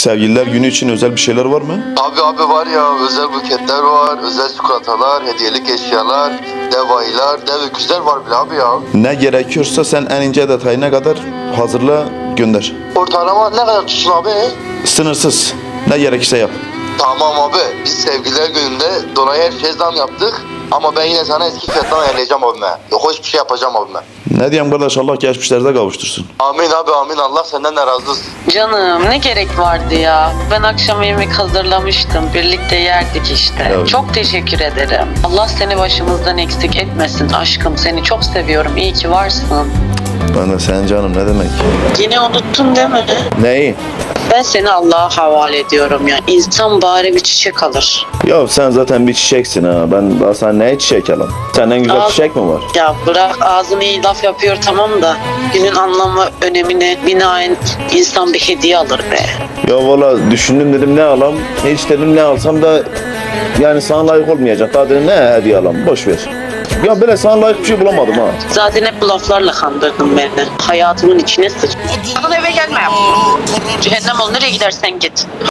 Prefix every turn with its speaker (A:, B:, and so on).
A: Sevgililer günü için özel bir şeyler var mı?
B: Abi var ya, özel buketler var, özel çikolatalar, hediyelik eşyalar, dev ayılar, dev öküzler var bile abi ya.
A: Ne gerekiyorsa sen en ince detayına kadar hazırla, gönder.
B: Ortalama ne kadar tutsun abi?
A: Sınırsız. Ne gerekirse yap.
B: Tamam abi, biz sevgililer gününde Dona'ya her şey zam yaptık. Ama ben yine sana eski fiyattan ayarlayacağım abime. Yok hiçbir şey yapacağım abime.
A: Ne diyeyim kardeş, Allah geçmişlerde kavuştursun.
B: Amin abi amin, Allah senden de razı olsun.
C: Canım ne gerek vardı ya? Ben akşam yemek hazırlamıştım. Birlikte yerdik işte.
A: Evet.
C: Çok teşekkür ederim. Allah seni başımızdan eksik etmesin aşkım. Seni çok seviyorum. İyi ki varsın.
A: Ben de sen canım, ne demek?
C: Yine unuttun değil mi?
A: Neyi?
C: Ben seni Allah'a havale ediyorum ya. İnsan bari bir çiçek alır.
A: Ya sen zaten bir çiçeksin ha. Ben daha sana neye çiçek alayım? Senden güzel
C: Al.
A: çiçek mi var?
C: Ya bırak, ağzını iyi laf yapıyor tamam da günün anlamı önemine binaen insan bir hediye alır be.
A: Ya valla düşündüm, dedim ne alam? Hiç dedim ne alsam da yani sana layık olmayacak. Daha dedim ne hediye alam? Boş ver. Ya böyle sana layık bir şey bulamadım ha.
C: Zaten hep bu laflarla kandırdın beni. Hayatımın içine sıç. Sakın eve gelme. Cehennem ol, nereye gidersen git.